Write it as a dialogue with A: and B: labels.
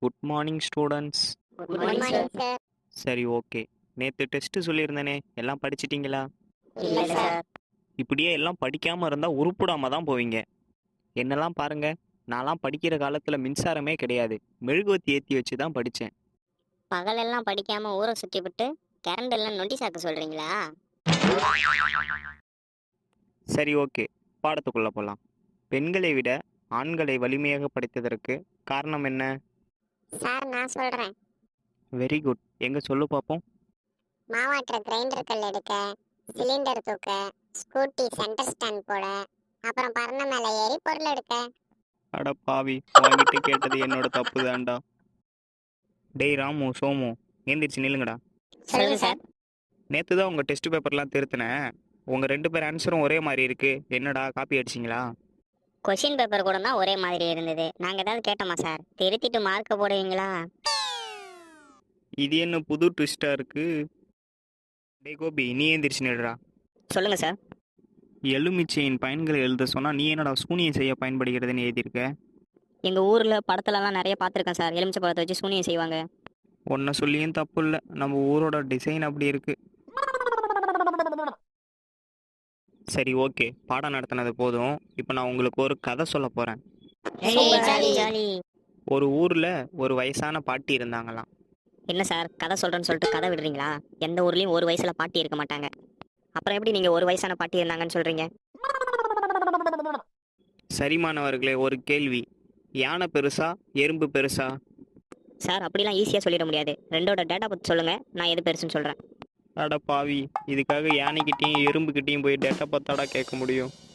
A: Good morning students.
B: Good morning sir.
A: சரி, okay. நேற்று test சொல்லியிருந்தேனே, எல்லாம் படிச்சிட்டிங்களா?
B: இல்ல சார்.
A: இப்படியே எல்லாம் படிக்காமல் இருந்தால் உருப்பிடாம தான் போவீங்க. என்னெல்லாம் பாருங்க, நான்லாம் படிக்கிற காலத்தில் மின்சாரமே கிடையாது. மெழுகுவத்தி ஏற்றி வச்சு தான் படித்தேன்.
B: பகலெல்லாம் படிக்காம ஊரை சுத்தி விட்டு கரண்ட் எல்லாம் நோட்டீஸ் ஆக்க சொல்றீங்களா?
A: சரி, ஓகே. பாடத்துக்குள்ளே போகலாம். பெண்களை விட ஆண்களை வலிமையாக படைத்ததற்கு காரணம் என்ன?
B: சார் நான் சொல்றேன்.
A: Very good. எங்கே சொல்லு பார்ப்போம்.
B: மாவாட்டுற கிரைண்டர் கல் எடுக்க, சிலிண்டர் தூக்க, ஸ்கூட்டி சென்டர் ஸ்டாண்ட் போட, அப்புறம் பறந்த மேல ஏறி பொருள் எடுக்க.
A: அட பாவி, வாங்கிட்டு கேட்டது என்னோட தப்பு தான்டா. டேய் ராமு, சோமு, ஏந்திரிச்சு நில்லுங்கடா.
B: சொல்லுங்க சார்.
A: நேற்று தான் உங்கள் டெஸ்ட் பேப்பர்லாம் திருத்தினேன். உங்கள் 2 பேர் ஆன்சரும் ஒரே மாதிரி இருக்குது. என்னடா, காப்பி அடிச்சிங்களா?
B: கொஸ்டின் பேப்பர் கூட தான் ஒரே மாதிரி இருந்தது. நாங்க ஏதாவது கேட்டோமா சார்? திருத்திட்டு மார்க் போடுவீங்களா?
A: இது என்ன புது ட்விஸ்டாக இருக்குது? டேய் கோபி, நீ ஏந்திரிச்சு நில்றா.
B: சொல்லுங்க சார்.
A: எலுமிச்சையின் பயன்களை எழுத சொன்னால் நீ என்னடா சூனியம் செய்ய பயன்படுகிறதுன்னு எழுதியிருக்க?
B: எங்க ஊர்ல படத்துலலாம் நிறைய பார்த்துருக்கேன் சார். எலுமிச்சை பழத்தை வச்சு சூனியம் செய்வாங்க.
A: ஒன்றை சொல்லியும் தப்பு இல்லை, நம்ம ஊரோட டிசைன் அப்படி இருக்குது. சரி, ஓகே. பாடம் நடத்தினது போதும். இப்போ நான் உங்களுக்கு ஒரு கதை சொல்ல போகிறேன்.
B: ஜாலி.
A: ஒரு ஊரில் ஒரு வயசான பாட்டி இருந்தாங்களாம்.
B: என்ன சார் கதை சொல்றேன்னு சொல்லிட்டு கதை விடுறீங்களா? எந்த ஊர்லயும் ஒரு வயசுல பாட்டி இருக்க மாட்டாங்க. அப்புறம் எப்படி நீங்க ஒரு வயசான பாட்டி இருந்தாங்கன்னு சொல்றீங்க?
A: சரிமானவர்களே, ஒரு கேள்வி. யானை பெருசா, எறும்பு பெருசா?
B: சார் அப்படிலாம் ஈஸியா சொல்லிட முடியாது. ரெண்டோட டேட்டா பத்தி சொல்லுங்க, நான் எது பெருசுன்னு சொல்றேன்.
A: அட பாவி, இதுக்காக யானைக்கிட்டேயும் எறும்புக்கிட்டேயும் போய் டேட்டா பார்த்தாடா கேட்க முடியும்?